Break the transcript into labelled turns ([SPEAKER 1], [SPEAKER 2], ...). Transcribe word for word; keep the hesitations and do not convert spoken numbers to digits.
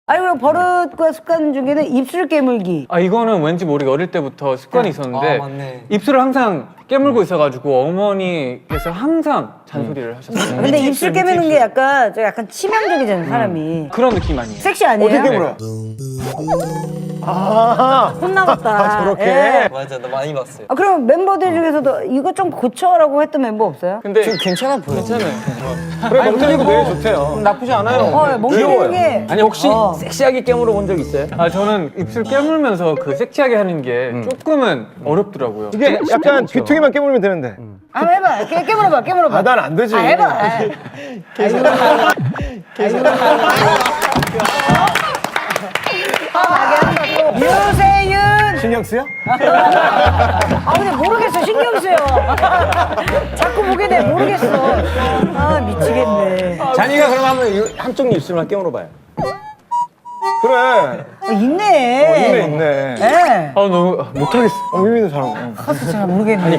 [SPEAKER 1] 아니 그럼 버릇과 습관 중에는 입술 깨물기.
[SPEAKER 2] 아 이거는 왠지 모르게 어릴 때부터 습관이 있었는데
[SPEAKER 3] 아, 맞네.
[SPEAKER 2] 입술을 항상 깨물고 있어가지고 어머니께서 항상 잔소리를 하셨어요.
[SPEAKER 1] 근데 입술 깨무는 게 약간 저 약간 치명적이잖아요 사람이.
[SPEAKER 2] 그런 느낌 아니에요?
[SPEAKER 1] 섹시 아니에요?
[SPEAKER 4] 어떻게 깨물어요? 아,
[SPEAKER 1] 혼나봤다.
[SPEAKER 4] 아, 저렇게?
[SPEAKER 1] 예.
[SPEAKER 3] 맞아, 나 많이 봤어요.
[SPEAKER 1] 아 그럼 멤버들 중에서도 이거 좀 고쳐라고 했던 멤버 없어요?
[SPEAKER 2] 근데
[SPEAKER 3] 지금 괜찮아 보여.
[SPEAKER 2] 괜찮아요.
[SPEAKER 4] 그래 멍때리고 매일 좋대요.
[SPEAKER 2] 나쁘지 않아요.
[SPEAKER 1] 어, 멍때리는 게.
[SPEAKER 5] 아니 혹시
[SPEAKER 1] 어.
[SPEAKER 5] 섹시하게 깨물어 본 적 있어요?
[SPEAKER 2] 아 저는 입술 깨물면서 그 섹시하게 하는 게 조금은 어렵더라고요.
[SPEAKER 4] 이게 약간 귀퉁이만 깨물면 되는데.
[SPEAKER 1] 한번 해봐. 깨, 깨물어봐. 깨물어봐.
[SPEAKER 4] 아, 난 안 되지.
[SPEAKER 1] 아, 해봐. 아. 아이고. 아이고. 아, 나게 한다 또. 유세윤.
[SPEAKER 4] 신경 쓰여?
[SPEAKER 1] 아 근데 모르겠어. 신경 쓰여. 자꾸 보게 돼. 모르겠어. 아 미치겠네.
[SPEAKER 5] 잔이가 그럼 한번 이- 한쪽 입술만 깨물어 봐요.
[SPEAKER 4] 그래.
[SPEAKER 1] 아, 있네.
[SPEAKER 4] 있네 있네.
[SPEAKER 1] 예.
[SPEAKER 2] 아 너무 못하겠어.
[SPEAKER 4] 어, 미미도 잘하고.
[SPEAKER 1] 잘 모르겠네.